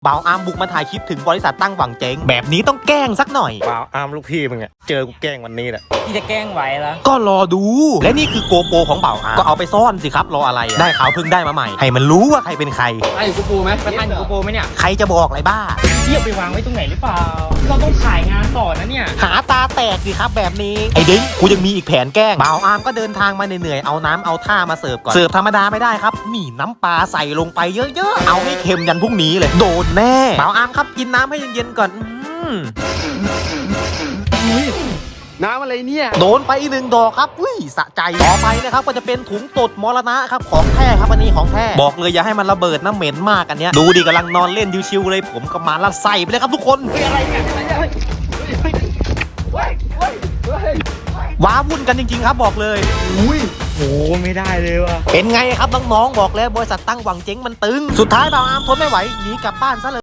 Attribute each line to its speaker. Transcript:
Speaker 1: บ่าวอาร์มบุกมาถ่ายคลิปถึงบริษัทตั้งหวังเจ๊งแบบนี้ต้องแกล้งสักหน่อย
Speaker 2: บ่าวอาร์มลูกพี่มึงอะเจอกูแกล้งวันนี้แหละ
Speaker 3: พี่จะแกล้งไหวเหรอ
Speaker 1: ก็รอดูและนี่คือโกโปรของบ่าวอาร์มก็เอาไปซ่อนสิครับรออะไรได้ข่าวเพิ่งได้มาใหม่ให้มันรู้ว่าใครเป็นใคร
Speaker 3: ไอ้กูปูไหมประธานอยู่กูปูไหมเนี่ย
Speaker 1: ใครจะบอกอะไรบ้า
Speaker 3: เทียบไปวางไว้ตรงไหนหรือเปล่าเราต้องถ่ายงานต่อนะเนี่ย
Speaker 1: หาตาแตกสิครับแบบนี้ไอ้เด้งกูยังมีอีกแผนแกล้งบ่าวอาร์มก็เดินทางมาเหนื่อยๆเอาน้ำเอาท่ามาเสิร์ฟก่อนเสิร์ฟธรรมดาไม่ได้ครับนี่น้ำปลาใส่ลงไปเยอะๆเอาให้เค็มยันพรุ่งนี้เลยโดนแน่บ่าวอาร์มครับกินน้ำให้เย็นๆก่อน
Speaker 2: น้ำอะไรเนี่ย
Speaker 1: โดนไปอีกหนึ่งดอกครับอุ้ยสะใจต่อไปนะครับก็จะเป็นถุงตดมรณะครับของแท้ครับอันนี้ของแท้บอกเลยอย่าให้มันระเบิดนะเหม็นมากอันเนี้ยดูดิกำลังนอนเล่นชิวๆเลยผมก็มาละใส่ไปเลยครับทุกคน
Speaker 3: อะไรเนี่ย
Speaker 1: ว้าวุ่นกันจริงๆครับบอกเลย
Speaker 2: อุ้ยโหไม่ได้เลยว่ะ
Speaker 1: เป็นไงครับน้องๆบอกแล้วบริษัทตั้งหวังเจ๊งมันตึงสุดท้ายบ่าวอาร์มทนไม่ไหวหนีกลับบ้านซะเลย